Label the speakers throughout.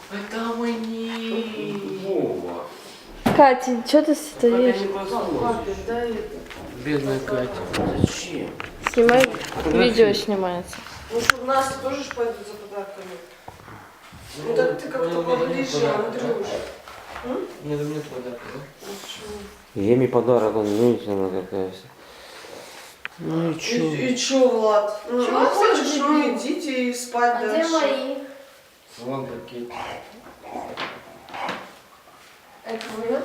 Speaker 1: Это мне.
Speaker 2: Вова.
Speaker 3: Катя, что ты стоишь?
Speaker 1: Папе, дай это. Бедная Катя. Зачем?
Speaker 3: Снимай, видео снимается.
Speaker 1: Ну что, Настя тоже ж пойдет за подарками. Ну так ты как-то поближе, Андрюш.
Speaker 4: Надо мне подарок, да?
Speaker 2: Еми подарок, он женщина какая вся. Ну и чё?
Speaker 1: И чё, Влад? Ну,
Speaker 3: Чё
Speaker 1: ну хочешь,
Speaker 3: хочешь?
Speaker 1: ну идите и спать
Speaker 3: А где
Speaker 1: дальше.
Speaker 3: мои?
Speaker 4: Вон пакет.
Speaker 3: Это моё?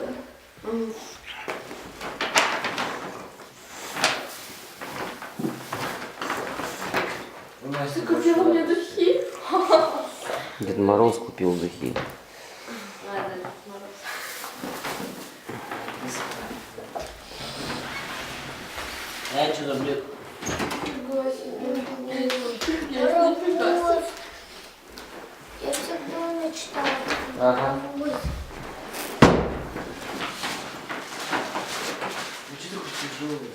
Speaker 4: Настя
Speaker 3: Ты купила мне духи?
Speaker 2: Дед Мороз купил духи.
Speaker 3: Ладно, Мороз.
Speaker 4: Я что-то, блин.
Speaker 5: Я всегда мечтала.
Speaker 4: Ага.
Speaker 5: Быть.
Speaker 4: Ну что ты хочешь тяжелый?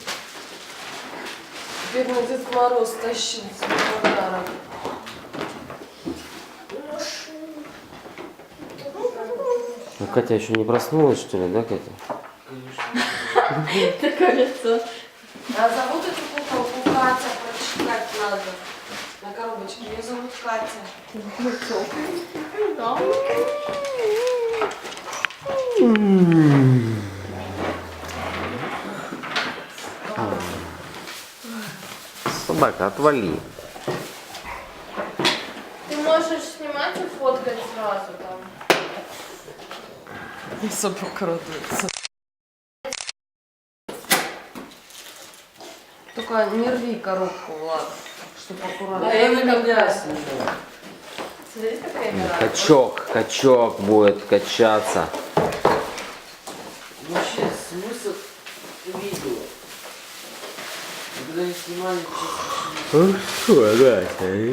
Speaker 1: Бедный Дед Мороз тащил свой подарок.
Speaker 2: Ну, Катя еще не проснулась, что ли, да, Катя?
Speaker 4: Конечно.
Speaker 3: Такое лицо.
Speaker 1: А зовут эту куколку Катя, прочитать надо. На коробочке. Ее зовут Катя.
Speaker 2: Собака, отвали.
Speaker 3: Ты можешь снимать и фоткать сразу там.
Speaker 1: Собака радуется. Только не рви коробку, Влад, чтобы аккуратно.
Speaker 4: Да я на меня снимаю.
Speaker 3: Смотри, какая игра.
Speaker 2: Качок будет качаться.
Speaker 4: Вообще смысл видео. Когда не снимали, честно.
Speaker 2: Ну что, Катя?